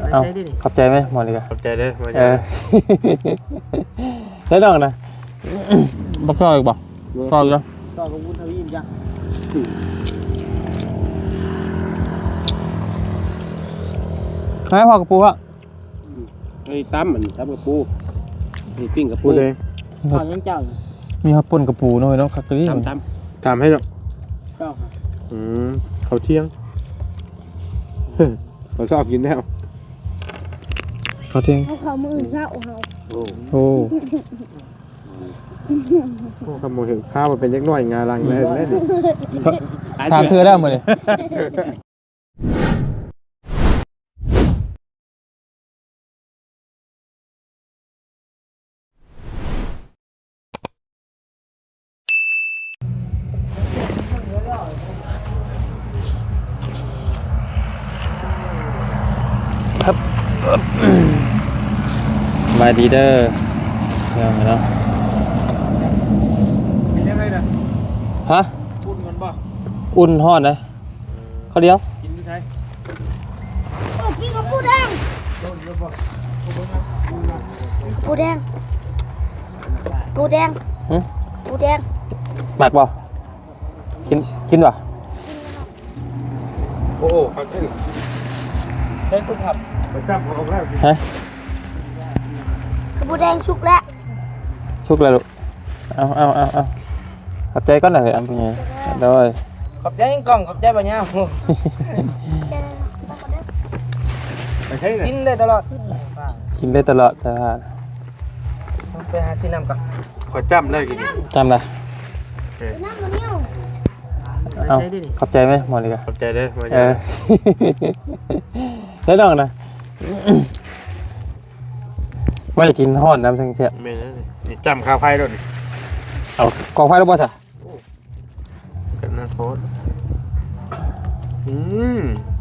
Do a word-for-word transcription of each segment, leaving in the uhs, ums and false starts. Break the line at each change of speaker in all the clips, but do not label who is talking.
เอาขอบใจไหมหมดเลยกัน
ขอบใจเด้อมา
เออใช่ดอกนะบักซอยอีกบ่ซอยอีกแล้ว
ต่อกับวุ้นทวีมจ้ะ
ให้พอกระปูฮะ
ไอ้ตั้มมันตั้มกระปูไอ้ปิ้งกระปูเลย
ตอนยังเจ้า
มีข้าวปุ้นกระปูหน่อยเนาะคักกะลี่
ตั้มตั้มทำให้หรอก
เจ้าค่ะ
อืมเขาเที่ยงเขาชอบกินแล้ว
เขาเที่ยง
เอาเขามืออื่นเช้าเขา
โอ้
โอ้
โหขโมยถึงข้าวมาเป็นเล็กน้อยงาลังเลยเลยดิ
ถามเธอได้หมดเลยครับสบายดีเด้อเรื่องอะไรเนาะ
มียังไงนะ
ฮะ
พูดกันป่ะ
อุ่นห่อนเลยเขาเดียว
กินที่ใช้
โอ้กินกับปูแดงปูแดงปูแดง
หึ
ปูแดง
หมักบ่กินกินบ่
โอ้โหเขาขึ้น
เฮ้ยคุณขับ
ไปจับเขาแล้ว
ฮะ
ปูแดงสุกแล้ว
ชุกเลยลูกเอาเอาเอาเอาขับใจก้อนหน่อยอันเป็นไงโดย
ขอบใจกล่องขอบใจบ่เนี่ย
ไปใช่เลย
กินได้ตลอด
กินได้ตลอดสภาพ
ไปหาที่น้ำก่อน
ขอจำได้กิน
จำได้
น้ำมันเนี่ยว
เอาขอบใจไหมหมดเลยกัน
ขอบใจเด้อมา
เออใช่ดอกนะว่าจะกินห่อนน้ำเสีย
ไม่นะนี่จำข้าวไผ่ด้วยนี่
เอากองไฟแล้วบ่สะ
กันนะโค้ดอืม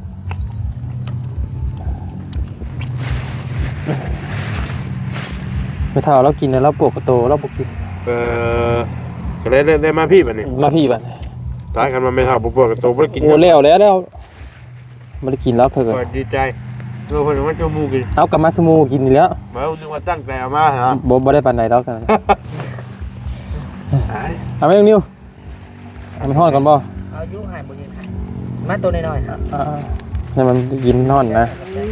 ไม่เท่าเรากินแล้วเราปวดกระโตเราปวดกิน
เออก็ได้ได้ได้มาพี่แบบนี้
มาพี่บัด
ตายกันมาไม่เท่าปุ๊บกับตัวไม่ได้กิน
โอ้แล้วแล้วแล้วไม่ได้กินแล้วเธอ
ก็ดีใจเออคนว่าจะมูกิน
เอากลับมาสมูกินนี่แล้ว
มาเอาดึงมาตั้งแต่เอามาฮะ
บ่บ่ได้ปานใดแล้วกันเอาไหมน้องนิวเอามันห่อนก่อนบ่
เอายุหายบ่ยืนหายมาตัวน้อยๆครับ
อ่าให้มันกินห่อนนะ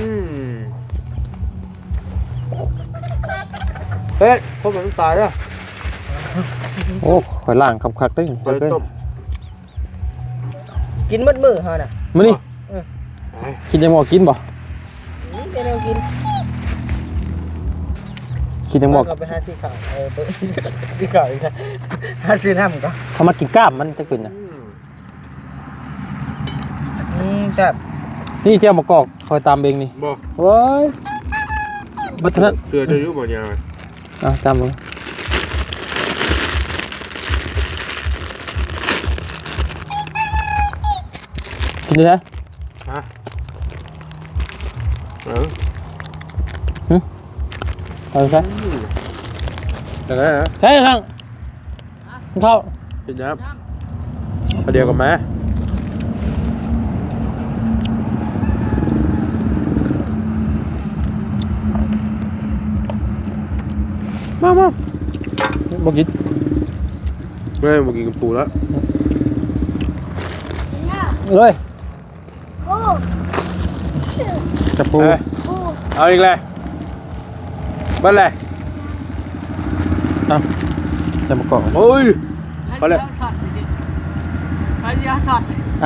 เฮ้ยพวกมันตายแล้ว
โอ้ข่อยล่างคักๆได้
เปิดต้ม
กินมืดมือเฮาน่ะ
มื้อนี้กินจังบ่กินบ่
นี่เป็นแนวกิน
กินจังบ่
ก็ไปหาซื้อข้าวเออไปซื้อข้าวอีกนะหาซื้อน้ำก่อน
เขามากินกล้ามมันจะกินน่ะ
อืมจับ
นี่เจ้ามะกอกคอยตามเองนี่
บ่
โว้ยบัดนั้น
เสือจะยุ่งบ่ยาว
อ่ะตามมึงกินได้ไหม
ฮะเออ
เอาใช่
แต่ก็นะ
ใช่ทั้งเข้า
กินยับประเดี๋ยวกับแม่มามา
บอกกิน
แม่มากินกับปูแล้ว
เลย
โอ้
จับปู
ปู
เอาอีกเลยบ้านเลย
เอาจะมากอก
โอ้ยเอาเลย
ไอ้ยาสัตว์
อ่ะ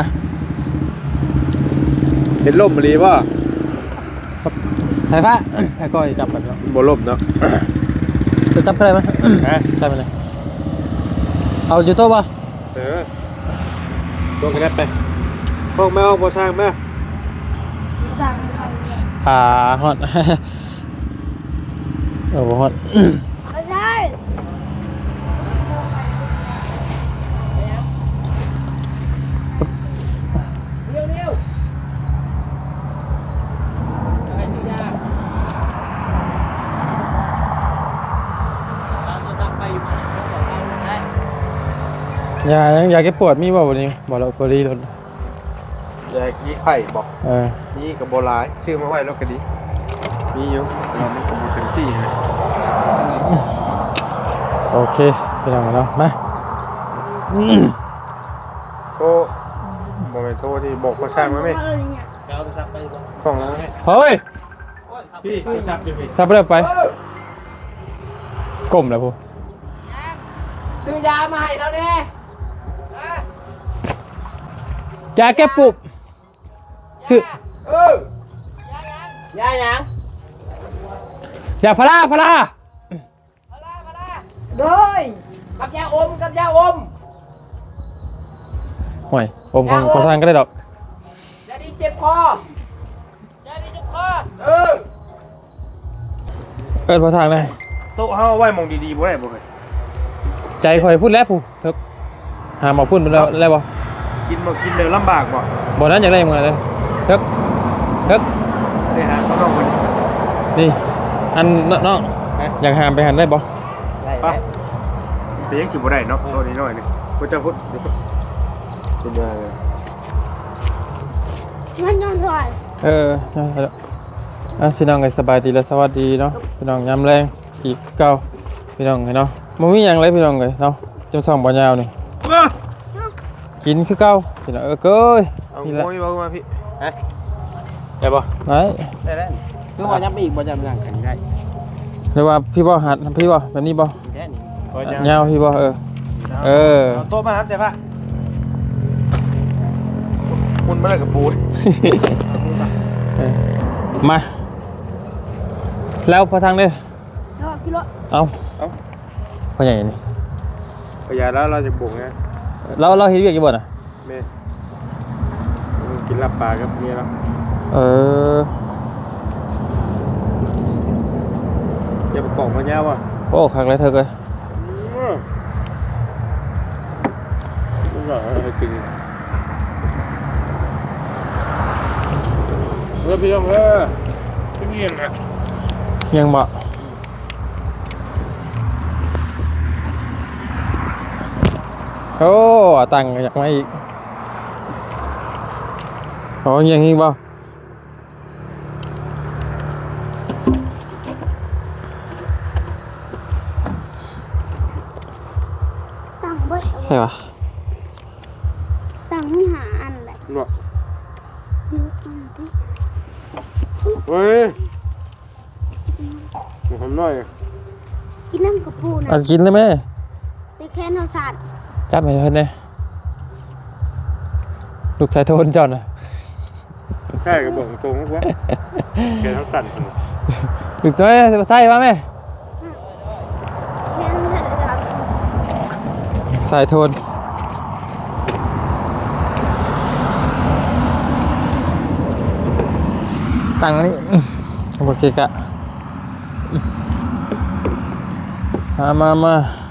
เห็นล่มมาดีป่ะ
ใส่ผ้าให้ก้อยจับแบบนี้
บ่ล่มเนาะ
จะจับอะไรไหมใช่ไหมเลยเอาอยู่โต๊ะป่ะ
เออตัวกระเด็ดไปห้องแม่ห้องบ่ช่างแม่
สั่งเขา
อ่าฮอตเออฮอต
ไม่ได้
ยายังยาแก้ปวดมีบ่วันนี้บอกเราปรีรถ
แจกยี่ไข่บอก
เออ
ยี่กับโบราณชื่อมาไว้แล้วก็ดีมีอยู่เราไม่คงถึงที่นะ
โอเคพี่น้องเนาะมา
โทรบอกไปโทรที่บอกเขาช่างมาไหม
เอาโทรศัพท์ไปบ่
กล่องแล้วไหม
เฮ้ย
พี่โทรศัพท์อยู่พี่
ซับไปเลยไปก้มแล้วพู
ซื้อยามาให้เราแน่
ยาแก้ปุบถือย
าหยัง
ยาพาราพารา
โดยกับยาอมกับยาอม
ห่วยอมของพอสร้างก็ได้ดอก
ยาดีเจ็บคอยาดีเจ็บคอเออ
เอิ้นพอสร้างได้
โต๊ะเฮาไว้มองดีๆบ่ได้บ่เคย
ใจคอยพูดแล้วผู้เถอะหาหมอพูดไปแล้วแล้วบ่
กินบ่กินเดี๋ยวลำบากบ่
บ่นั้นอยากได้มึงอะไรเถอะเถอะ
ได้หาเขาน้องคน
นี่อันน้องอยากหามไปหันได้บ่
ได้
ป่ะแต่ยังสิบ่ได้เนาะตัวนี้น้อยนึงกูจะพูดเป็นยังไงเลย
มันนอนสวย
เออใช่แล้วอ่ะพี่น้องก็สบายดีและสวัสดีเนาะพี่น้องยามแรงอีกเก่าพี่น้องเนาะบ่มีหยังเลยพี่น้องเลยเนาะจำส่องบ่ยาวนี่กินคือเก่าพี่น้องเออเก้ย
เอา
นี่แหละ
โอ้ยบอกมาพี่ฮะได้ป่ะ
ไหน
ได้แล้วคือว่ายังไปอีกบ่จำยังกันได้
หรือว่าพี่บ่หัดพี่บ่แบบนี้บ่
แค่นี้
ก็ยัง
ยาวพี่บ่เออเออ
โต๊ะมาครับใช่ป่ะคุณมาเลยกับปูน
เออมาแล้วพอทางเด้อ
แล้วกิโล
เอาพ่อใหญ่นี่
ประหยัดแล้วเราจะบุกไง
เราเราเฮ็ดเวียกอยู่บ่น่ะ
เมย์กินลาบปลากับเมียแล้ว
เออ
จะประกอบมาเนี้ยว่ะ
โอ้คักเลยเถอะเอ้ย
นี่เหรอให้กินเออพี่น้องเออพี่เมียนนะ
ยังบ่โอ้ตังค์อยากมาอีกโอ้ยังอีกบ่
ตั้งบ่
ใช่ปะ
ตั้งไม่หาอันแหละ
เนาะ
ยืดอันที่
เฮ้ยผมทำหน่อย
กินน้ำกระปูนะ
เอากินเลยไหม
แต่แค่นเอาสัตว์
จับให้เพิ่นเด้ลูกชายโทนเจ้าน่ะ
แค่กระบอกตรงๆวะแกทั้งสั่น
ลูกชายใส่มาแม่
แค่นเอาสัตว์
สายโทนสั่งอันนี้โอเคกะมามามา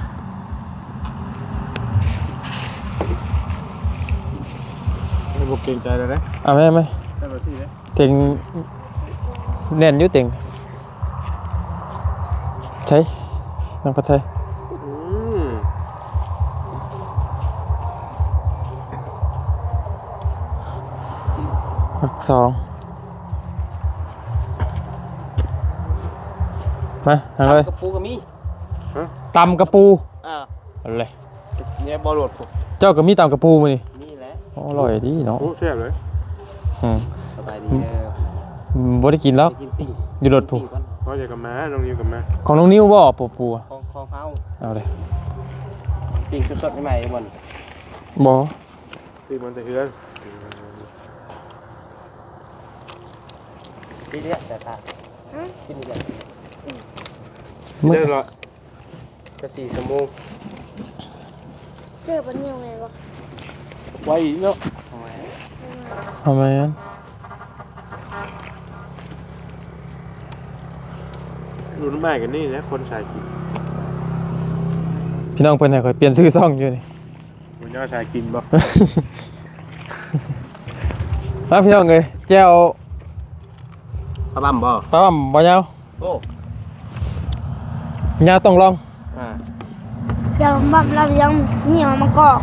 ไม่บอกเกรงใจเลยนะ
เอาไหมไหม
ใช่ไหมพี่นะ
เต็งแน่นอยุ่เต็งใช่น้องพัดไทย
อืม
หักสองมาทางเลย
กระปูกับมี
ตำกระปู
อ่า
เอาเลย
เนี่ยบอลโหลดผม
เจ้าก็มีตำกระปูมานี่
นี่แหละ
อร่อยดีเนาะ
โอ้แซ่บเลย
อืม
สบายดีเด้อ
อืมบ่ได้กินแล้ว
ไปกินปิ้ง
อยู่รถผู
ปิ้งก่อน
พ่อจะกับม้าน้องนิวกับม้า
ของน้องนิ้วบ่ปูปูอะ
ของของเขา
เอาเลย
ปิ้งสดๆใหม่ๆมัน
บ่
พี่มันจะเฮือน
นี่เนี่ยแต่ตากินนี่แหละ
มึง
เด้อเหรอ
จะสี่ชั่วโมง
เจอปันยังไงวะ
ไว้เนาะ
ทำไมงั้น
รุ่นใหม่กันนี่นะคนสายกิน
พี่น้องเพิ่นให้ข่อยเปลี่ยนชื่อซ่องอยู่นี่
คนย่อสายกินบ่
แล้วพี่น้องเอ้ยแจ่ว
ปลาบั่มบ่
ปลาบ่บ่ยาว
โอ้
ยาวต้องลอง
อ่า
จะบับเรายังนี่มันมากอก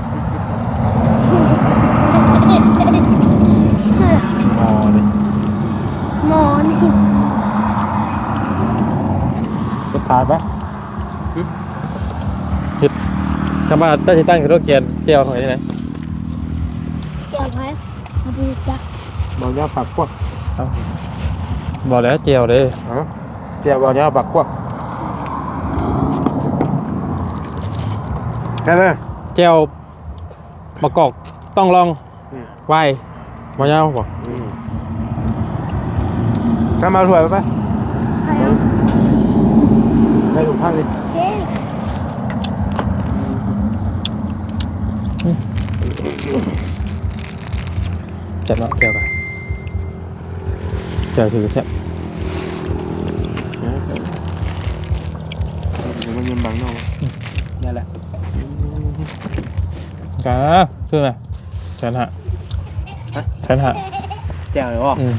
อ๋อนี่
หมอนี่
ขาดปะ
เฮ็ดคำว่าตั้งสิตั้งคือรถเกียร์เจียวของไอ้นี่ไหน
เกี่ยวไว้มาดูจ้ะ
บ่ยาปักพวก
บอกแล้วเจียวเด้
อ๋อเจียวบ่ยาปักพวกแค่นั้น
เจียวมะกอกต้องลองไวบ่ยาวบ่
ถ้ามาถวยไป
ใครเอา
ไปถูกทางดิ
เจ๊
เจ็บเนาะเจียวกันเจียวถือแซ่บ
มันยังบังเนาะนี่แหละ
กาชื่อไหมแสนห้าแสนห้า
แจ่วเลยวะ
อืม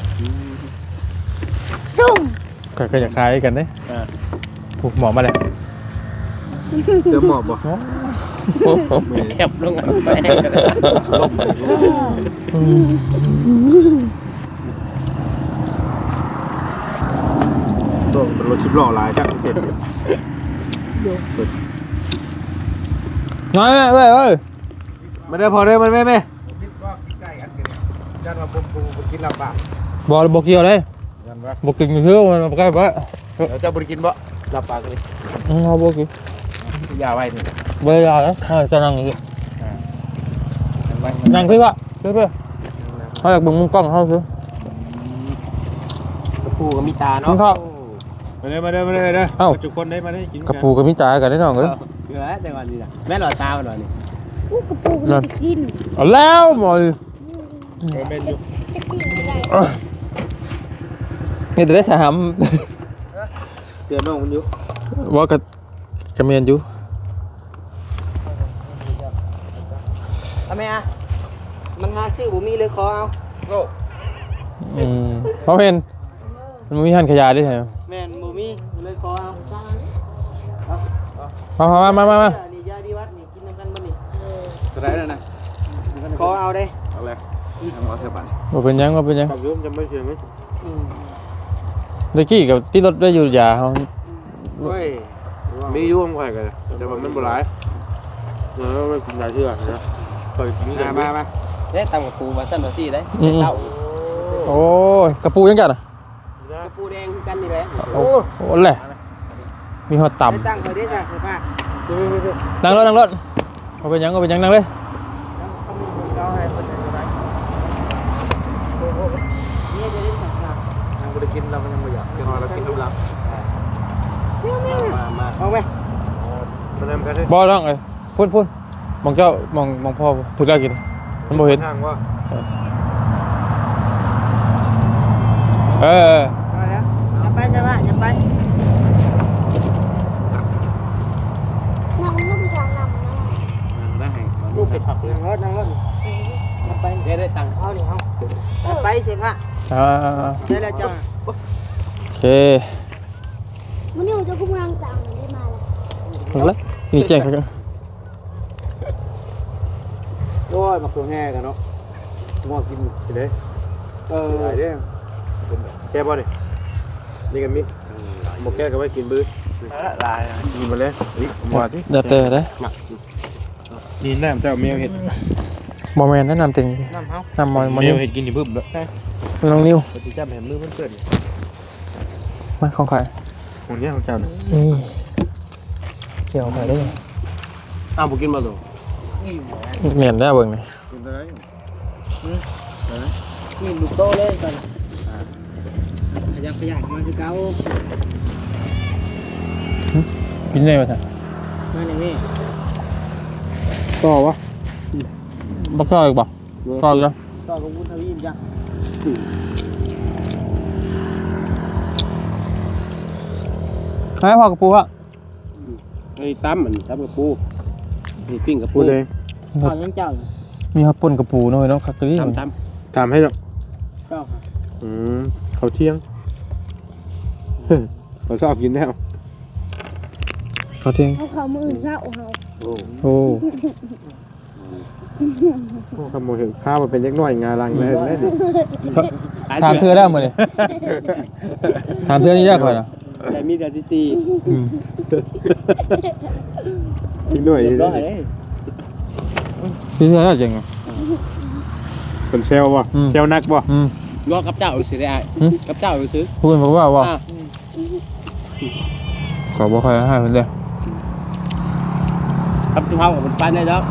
ตุ้ม
ก็ก็จะคล้ายกันเด้ผูกหมอมาเลย
เจอหมอบบ่
แอบลงอ่ะไปลมตัวเป็นรถชิบล้อหลายจังเห็น
น้อยแม่เว้ยเว้ย
มาได้พอได้มันแม่แม่ยันมาปุ่มปุ่มกินลำบาก
บอลบอกเกี่ยวเลย
ยันว่า
บอกกินเชื่อมันใกล้ไป
เดี๋ยวจะบริกินบ่ลำบากเลย
อืมเอาบอกกิน
ยาไว้นี่
เบย์ยาแล้วให้จะนั่งอยู่นั่งพี่วะพี่เพื่อเขาอยากบึงมุมกล้องเขาซื้อก
ระปูกับมีตา
กิ
เนาะ
นข้าว
มาเลยมาเลยมาเลยเด้อ
เอ้า
จุกคนได้มาได้กิน
กระปูกับมิจ่ายกันได้หน่อยเอ้ย
เกลือแต่ก่อนนี่นะแม่หลอดตาหน่อยนี่
อู้กระปูกมันจะกิน
เอาแล้วหมอย
เป็นอยู่
จะกินอะไร
นี่จะได้ถาม
เตือนน้องมันอยู่
ว่ากระกระเมียนอยู่
ทำไมอ่ะมันหาชื่อผมมีเลยขอเอาโอ้
อืมเพราะเห็นมันมีหันขยะด้วยใช่ไหม
แม่นบ่มีเลยขอเอา
มามามามามา
นี่ยาดีวัดนี่กินกันบ่นี่จะได้แล้วนะขอเอาเด้เอาเลยเอาเถอะบัด
บ่เป็นหยังบ่เป็นหยัง
ขอบยุ่มจำไม่เชื่อมั้ย
เมื่อกี้กับที่รถได้อยู่ยาเขา
เฮ้ยมียุ่งข่อยกันแต่ว่ามันบ่หลายเออมันกินหลายเชื่อนะข่อยกินกันมามาเด้ตำกับปูมาซั่นว่าซี่ได้เต้า
โอ้ยกระปูยังจัดอ่ะ
กระปูแดงคือกันนี่แหละ
โอ้โหแหละมีหอดต่
ตั้งข่อยได้จ้ะข่อยป้า
ำนั่งรถนั่งรถเอาเป็นหยังเอาเป็นหยังนั่งเลย
นี่จะได้สั่งครับยังบ่ได้กินเรายังบ่อยากกินเรากินน้ำลับมามาเอาไหมมาทำกันดิ
บอต้องเลยพุ่นพุ่นมองเจ้ามองมองพ่อถือได้กินมันบ่เห็น
ทางว่า
เออ
อย่าไปอย่าไปอย่าไป
น้ำลูกยางนำนะ
ได้ลูกเป็ดผักนั่งรถนั่งรถอย่าไปเดี๋ยวได้ตังค์เอานี่เอาอย่าไปเสียงอ่ะ
อ่า
ได้แล้วจ้า
โอเค
มันอยู่จะกุ้งยางต่างได้มาแล้ว
ถึงแล้วนี่แจ้งเขากัน
โอ้ยมาตัวแง่กันเนาะงัวกินไปเลยเออได้เด้แก้บ่ดินี่กันมิหมกแก้ก็ไว้กินบื้อลายกินมาเลยนี่มาที่
อย่าเตะได้
นี่น้ำเจ้าเมียวเห็ด
บอแมนแนะนำติง
น้ำเฮา
น้ำมอยมอ
เมี
นิ
ยว วเห็ดกินที่บึ้มแล้ว
น้องนิ้ว
ปฏิจับแหมมือมันเกิด
มาของใคร
ของเนี้ยของเจ้าเนี่ย
นี่เกี่ยวใครได้
อ้าวบุกินมาหรอ
เหมียนได้เบิ่งนี่
กินได้นี่ลูกโตเลยก่อนขยับขยับมาคือเก่า
กินได้ป่ะท่าน
นั่นเอง
ต่อวะบักต่ออีกบ่ต่ออีกแล้ว
ต่อกับวุ้นทวีมจ้ะ
ให้พอกระปูฮะ
ไอ้ตั้มมันตั้มกับปูไอ้ปิ้งกับปูเลยต่อยังเจ้า
มีข้าวป่นกระปูหน่อยเนาะคักกะลี่
ตั้มตั้ม
ถามให้หรอก
เจ้าค่ะ
อืมเขาเที่ยงเขาชอบกินแน่ว
เขาเที่ยง
เอาเขามืออื่นเช้าเขา
โอ้
โอ้
ขโมยเห็นข้าวมันเป็นเล็กน้อยงาลังเลยเลย
ถามเธอได้หมดเลยถามเธอนี่ยากกว่านะ
เ
แต่มีแต่ที่สี่
อืม
อีกหน่อย
เรียบร้อยเลย
พี่เชื่อได้จริงอ่ะ
เป็นเซลบ่
อืม
เซลนักบ่
อืม
งอกับเจ้าสิได้กับเจ้าซื้อ
พูดบอกว่าว่า
อ่ะ
ขอบอกใครให้เพิ่นเด้อ
กับเท้ากับมันไปได้แล้ว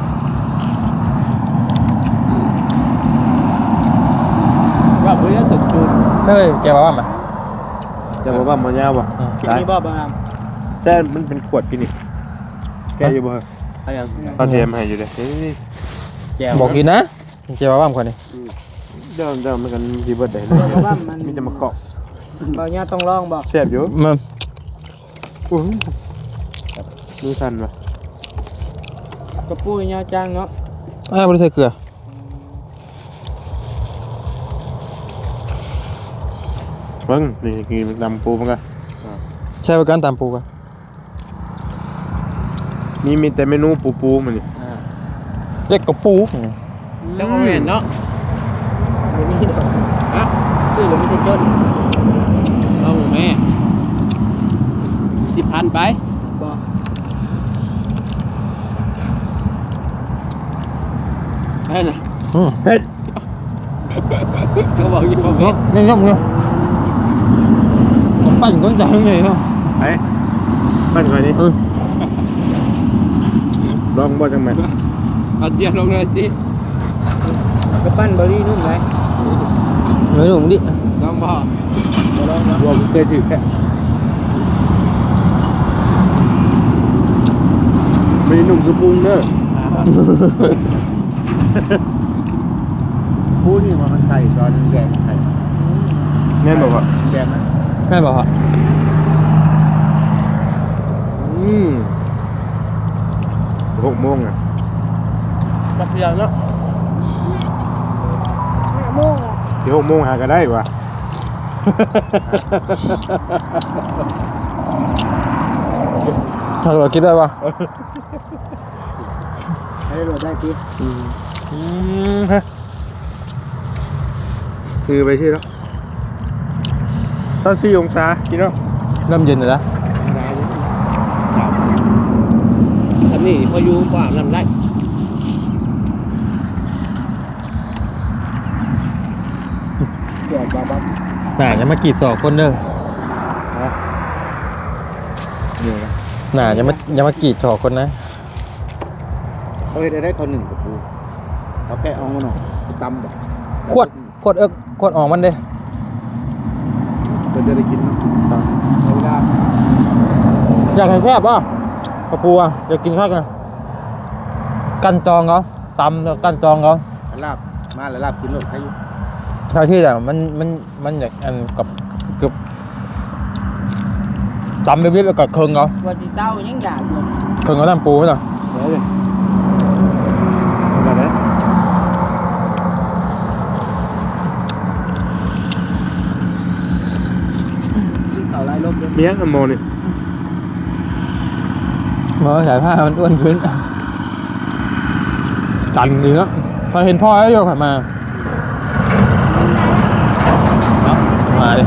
ว่าเพื่อนสุดจุด
เฮ้ยแกว่าว่ามา
จะบอกว่ามันยาวบ่
อืม
ที่นี่บ่บ้าง
แต่มันเป็นขวดกินนี่แกอยู่บ่
อะไรอย่าง
ตอนเทมให้อยู่เด้นี่
แก้ว
บอกกินนะแกว่าว่าคนนี้
เดิมเดิมมันกันสิเบิดได้เลยมีแต่มะกอก
บ่เนี่ยต้องลองบ่
แซ่บอยู่
มัน
อู้หูดูสั่นว่ะ
กระปุยเนี่ยจังเนาะ
อ้าวบ่ได้ใส่เกลือ
เบิ่งนี่กินน้ำปูมันก็
ใช้ประกันตามปูกัน
นี่มีแต่เมนูปูปูมันนี่
เล็กกว่าปู
จังหวะเห็นเนาะบ่มีดอกฮะซื้อบ่มีแต่จนเอาแม่สิบพันไปบ่ให้น่ะ
อืม
เฮ็ด
เขาบอกอยู่บ่
เนาะนี่ยกเนี่ยผมปั่นก้นใจยังไงเนาะ
ไปปั้นก่อนนี่
เออ
ลองบ่จังแม่น
เอาเจียมลงเลยสิกระปั้นเบอร์รี่นุ่มไหม
ไม่รู้มึงดิ
ลองบ่บ่ลองเนาะ
รวมเคยถือแค่ไม่นุ่มคือปรุงเด้อ
พูดนี่ว่ามันไข่ตอนแกงไข่
แม่นบ่ว่า
แกงนะ
แม่บอกว่า
อืมหกโมงอ่ะ
ปักเสียงเนาะ
ห้าโมงอ่ะ
เดี๋ยวหกโมงหาก็ได้วะ
ถ้าเราคิดได้ป่ะ
ให้รถได้พี่
อืมฮะคือไปที่แล้วเท่าสี่องศาพี่น้อง
เริ่มเย็นเลยนะ
ทำนี่พออยู่กว่าน้ำได้
จอดบ้าบ้า
หน่าจะมากรีดสองคนเด้อ
เดี๋ยวนะ
หน่าจะมาจะมากรีดสองคนนะ
เอ้ยได้ได้คนหนึ่งกับกูเอาแกะเอาหน่อยตำบ่
ขวดขวดเอิกขวดออกมันเด้
ก็จะได้กินเนาะเวลา
อยากให้แคบป่ะกระปูอ่ะอยากกินข้าวกันกันจองเขาตำแล้วกันจองเขา
ลาบมาแล้วลาบกินรถให้อยู่
เท่าที่แต่มันมันมันอยากอันกับเกือบตำไปเรียบๆกับเคิงเขา
ว่าสิเศร้ายังอยากอยู่
เคิงเขาทำปูไหมล่ะ
เดี๋ยวเลยแบบนี้เอาไล่ลบเลย
เมียงอันโมนี่
เมื่อสายผ้ามันอ้วนขึ้นจันดีเนาะพอเห็นพ่อแล้วโยกขับมามาดิ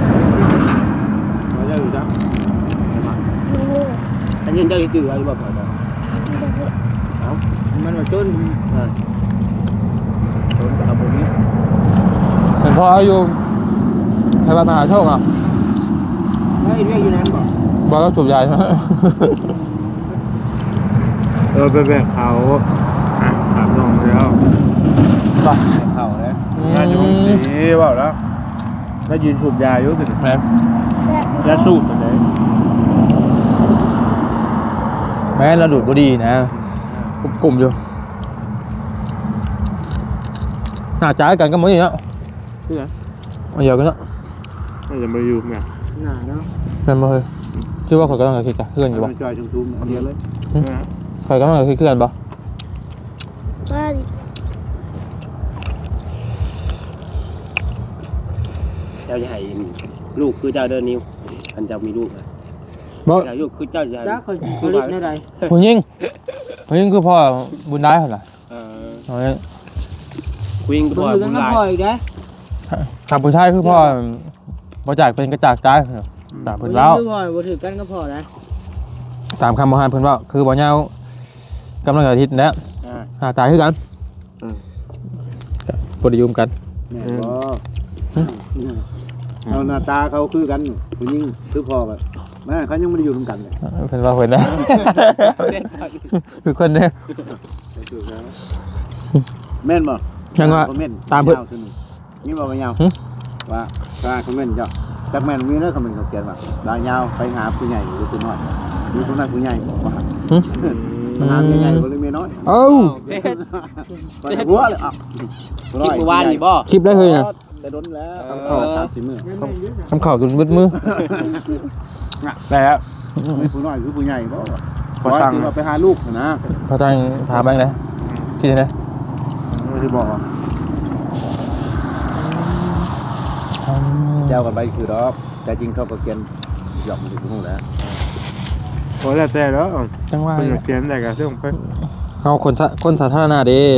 มาเยอะอยู่จ้ะ
ไม่รู้
อันนี้เจ้าอีตื่นอะไรบ้างเหรอเอามันมาจนอ่าจนกับผมนี้
เห็นพ่อแล้วโยไทยบ้านมหาโชคอ่ะ
เฮ้ยเรียกอยู่นั้นบ่
บอกแล้วจูบใหญ่
เออไปแบกเขาอ่ะถามน้องแล้ว
ไป
เข่าแล้ว
งานอยู่ห้องสีเปล่าแล้วแล้วยืนสูบยาอยู่สิ
แม่
แซ่บ
แล้วสูบไปไหน
แม่เราดูดบุหรี่นะกลุ่มๆอยู่หน้าจ้ากันก็เหมือนอย่างเงี้ย
ที่ไหน
เอาเยอะกันเนาะ
น่าจะมาอยู่ไง
หนาเนาะ
แม่นบ่เฮ้ยคิดว่าข่อยก็ต้องคิดกันเพื่อนอยู่บ่
มันจอยชมทุมอันเดียวเลย
ข่อยก็ต้องคิดเพื่อนบ่
มาดิ
เจ้าจะให้ลูกคือเจ้าเดินนิ้วอันเจ้ามีลูก
บ่
เจ้าลูกคือเจ้าจะจ้าเคยผลิตในใด
ผู้หญิงผู้หญิงคือพ่อบุญได้เหรอ
เออ
เอาเนี่ย
คุยกันบ่อยบุญหลาย
ถ้าผู้ชายคือพ่อบ่จากเป็นกระจากตายตามเพิ่นเว้า
คือพ่อบ่ถือกันก็พอนะ
ตามคำบ่ฮานเพิ่นเว้าคือบ่ยาวกำลังอาทิตย์แล้วหาตายคือกันบ่ได้ยุ่มกัน
แม่บ่เอาหน้าตาเขาคือกันผู้หญิงคือพ่อแบบแม่เขายังไม่ได้อยู่ร่วมกันเลย
เพิ่นว่าเพิ่นนะคือคนเด้อ
แม่นบ่
ยังว่าตามเพิ่น
นี่บ่ยาวว่าถ้าคอมเมนต์เจ้าจักแม่นมีแล้วคอมเมนต์เขาเขียนว่าดาวยาวไปหาผู้ใหญ่หรือผู้น้อยมีผู้น้อยผู้ใหญ่บ่ว่า
หึ
มาหาผู้ใหญ่บ่หรือมีน้อย
เอ้า
บ่ได้หัวเลยอ่ะ
คลิปเมื่อวานนี่บ่
คลิปได้เฮ้ยน่ะ
แต่โดนแล้วคำขอตามสิมื้อ
คำข่าวจนมืดมือ
ได้แล้ว
มีผู้น้อยคือผู้ใหญ่บ่ขอสั่งว่าไปหาลูกนะ
พอตังถามแบงค์นะคิดเห็นไหม
ไม่ได้บอก
แซวกันไปคือดอกแต่จริงเขาก็เขียนหยอกมันอยู่ฮู้แล้ว
โอ้แล้วแต่แล้ว
จังว่า
เป็นเขียนได้กับเรื่องเพิ่น
เอาคนสาคนสาธารณะเด้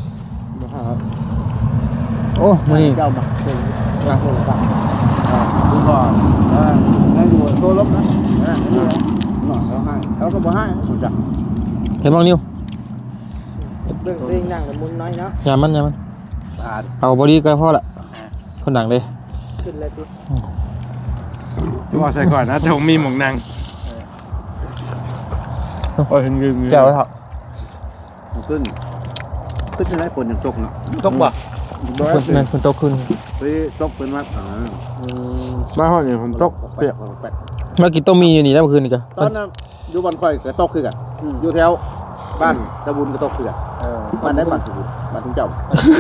โอ้มื้อนี้
เจ้ามาเป็นนะคุณพ่อว่าให้ดูโตลบนะนะเขาให้เขาก็บ่ให้ผมจัก
เห็นบ้างนิ้ว
เบิ่งตัวเองนั่งกับมุนน้อยเนาะ
ยามมันยามมัน
ตา
เอาบอดี้ก็พอละคนดังเลย
ขึ้นแล้วสิ
บอกใส่ก่อนนะแต่ผมมีหมองนางโอ้ยงึง
แก้วเถอะ
ขึ้นขึ้นจะได้ฝนยังตกเนาะ
ตกบ่
คนแม่นคนโตขึ้น
ไปตกเป็นวัดอ่า
บ้านห้องนี่ผมตกเปียก
เมื่อกี้ต้องมีอยู่นี่แล้วเมื่อคืนนี่จ้ะ
ตอนนั้นอยู่บ้านค่อยก็ตกคือกันอยู่แถวบ้านสะบุญก็ตกคือกันบ้านไหนบ้านสะบุญบ้านทุ่งเจ้า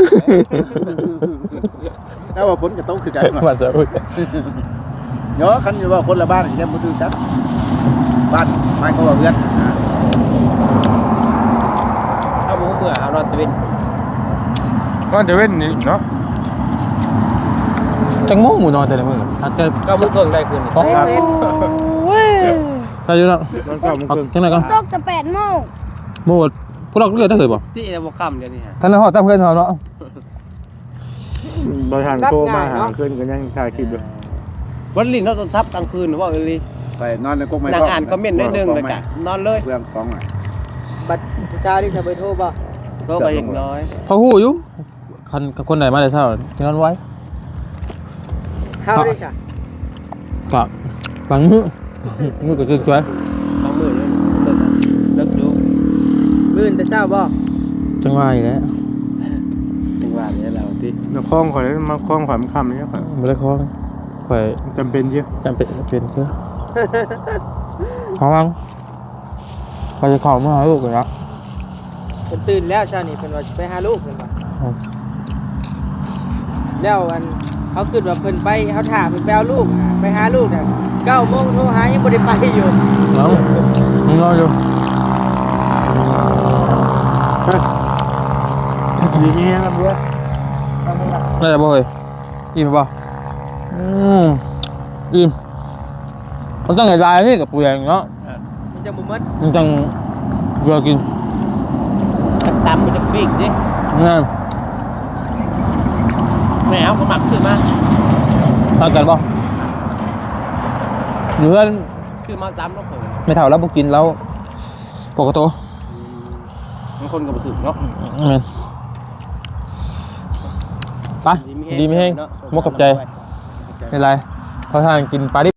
แล้วว่าฝนก็ตกคือกัน
มาจะอุ้ย
เนาะคันอยู่ว่าคนละบ้านแค่บ่คือกันบ้านไม่ก็ว่าเพื่อน
เอาบ่เมื่อเอานอนตะเวน
ก็จะเว้นนี่เนาะ
จังโม่หมูนอนแต่ละมื้อถ้าแต่
ก็มื้อเพิ่งได้คืนนี่
ต้องครับถ้าอยู่แล้ว
นอนเก้าโมง
เอา
ครึ่ง
จังไหนก่อน
ตกแต่แปดโมง
หมูพวกเราเรียกได้เคยบ่
ที่จะบ่ค่ำเดี๋ยวนี้ฮะ
ท่านนายฮอดตามเพื่อนเขาเนาะ
บริหารโทรมาหาเพื่อนก็ยังถ่ายคลิปอยู่
วันลิ้นเราต้องทับกลางคืนว่าเอลี
ไปนอนในกรงไม้
นั่งอ่านคอมเมนต์ได้นึงเลยกะนอนเลย
เรื่องของอ่ะ
บัดเช้าที่จะไปโทรบ่โทรก็อย่างน้อย
เขาฮู้อยู่คันคนไหนมาได้เช้าที่นอนไว้
เฮาได้จ้ะ
กับฟังมือมือก็คือสวย
บางมื้อเลยเลิกเลิกดูมื้อแต่เช้าบ่
จังว่าอีกแล้ว
จังหวะนี้แล้วติ
มาคล้องข่อยมาคล้องข่อยมันคำนี่ข่อย
บ่ได้คอข่อย
จำเป็นเยอะ
จำเป็นเป็นเชื่อขอวังไปจะขอมาหาลูกเลยนะ
เพิ่นตื่นแล้วเช้านี้เพิ่นว่าสิไปหาลูกเพิ่นว่าแล้วอันเขาคิดว่าเพิ่นไปเขาถามเพิ่นไปเอาลูกอะไปหาลูกน่ะเก้าโมงโทรหายังบ่ได้ไปอยู่
เอามึงรออยู่
ดีนี่ครับเยอะ
ได้แล้วบ่เฮ้ยอิ่มป่ะอืมอิ่มมันต้องไงลายนี่กับเปลือกเนาะ
มันจะบ่หมด
มันจังเวลากิน
ตำมันจะปีกดิ
นั่น
แม่เอาเขาหมักขึ้นมา
ทานกันป่ะเนื้อ
คือมาตำแล้วเพิ่น
ไม่เท่าแล้วบ่กินแล้วปกติ
บางคนก็บ่ถึงเนาะ
แม่นไปดีไม่แห้งมกกับใจไม่ไรเขาทานกินปลาดิบ